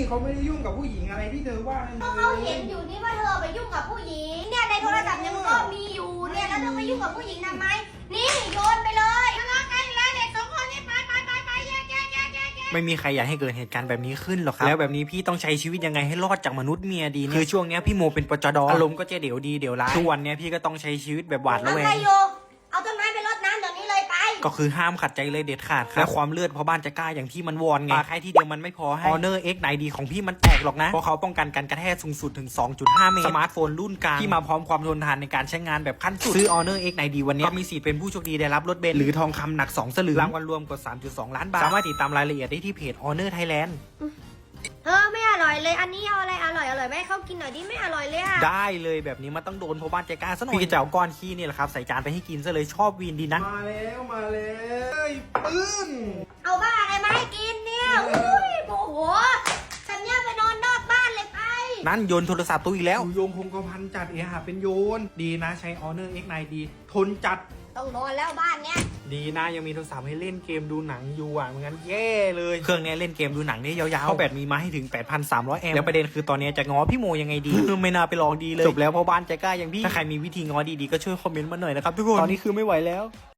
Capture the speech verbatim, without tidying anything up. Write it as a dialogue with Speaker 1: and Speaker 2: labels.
Speaker 1: เขาไม่ได้ยุ่งกับผู้หญิงอะไรที่เธอว่านั่น
Speaker 2: ก็เขาเห็นอยู่นี่ว่าเธอไปยุ่งกับผู้หญิงเนี่ยในโทรศัพท์ยังก็มีอยู่เนี่ยแล้วเธอไปยุ่งกับผู้หญิงทำไมนี่โยนไปเลยทะเลาะกันแล้วเด็กสองคนนี่ไปไปไปไปแยกแยกแยกแยกแยก
Speaker 3: ไม่มีใครอยากให้เกิดเหตุการณ์แบบนี้ขึ้นหรอกครับแล้วแบบนี้พี่ต้องใช้ชีวิตยังไงให้รอดจากมนุษย์เมียดีเนี่ยคือช่วงเนี้ยพี่โมเป็นปจดอารมณ์ก็จะเดี๋ยวดีเดี๋ยวร้ายทุกวันเนี้ยพี่ก็ต้องใช้ชีวิตแบบหวาดระ
Speaker 2: เอา
Speaker 3: แว
Speaker 2: ใค
Speaker 3: ง
Speaker 2: รโยเอาต้นไม้ไปรดน้ำเดี๋ยวนี้เลยไป
Speaker 3: ก็คือห้ามขัดใจเลยเด็ดขาดครับและความเลือดเพราะบ้านจะกล้าอย่างที่มันวอนไงปาแค่ที่เดียวมันไม่พอให้ Honor เอ็กซ์ ไนน์ ดี ของพี่มันแตกหรอกนะเพราะเขาป้องกันการกระแทกสูงสุดถึง สองจุดห้า เมตรสมาร์ทโฟนรุ่นกลางที่มาพร้อมความทนทานในการใช้งานแบบขั้นสุดซื้อ Honor เอ็กซ์ ไนน์ ดี วันนี้ก็มีสิทธิ์เป็นผู้โชคดีได้รับรถเบนซ์หรือทองคำหนักสองสลึงรางวัลรวมกว่า สามจุดสอง ล้านบาทสามารถติดตามรายละเอียดได้ที่เพจ Honor Thailand
Speaker 2: เธอไม่อร่อยเลยอันนี้เอาอะไรอร่อยอร่อยไหมให้เขากินหน่อยดิไม่อร่อยเลยอะ
Speaker 3: ได้เลยแบบนี้มันต้องโดนเพราะบ้านใจกล้าซะหน่อยพี่จะเอาก้อนขี้นี่แหละครับใส่จานไปให้กินซะเลยชอบวีนดีนะ
Speaker 1: มาแล้วมาแล้วเอ้ยปื้น
Speaker 2: เอาบ้าอะไรมาให้กินเนี่ยอุ้ยโมโหฉันเนี่ยไปนอนนอกบ้านเลยไป
Speaker 3: นั่นโยนโทรศัพท์ตู้อีกแล้ว
Speaker 1: อยู่โยงคงกระพันจัดเอะหาเป็นโยน ดีนะใช้ Honor เอ็กซ์ ไนน์ ดี ทนจัด
Speaker 2: ต้องนอนแล้วบ้านเนี้ย
Speaker 3: ดีนะยังมีโทรศัพท์ให้เล่นเกมดูหนังอยู่อ่ะไม่งั้นแย่เลยเครื่องนี้เล่นเกมดูหนังได้ยาวๆเพราะแบตมีมาให้ถึง แปดพันสามร้อย แอมป์แล้วประเด็นคือตอนนี้จะง้อพี่โมยังไงดี ไม่น่าไปลองดีเลยจบแล้วเพราะบ้านใจกล้าอย่างพี่ถ้าใครมีวิธีง้อดีๆก็ช่วยคอมเมนต์มาหน่อยนะครับทุกคนตอนนี้คือไม่ไหวแล้ว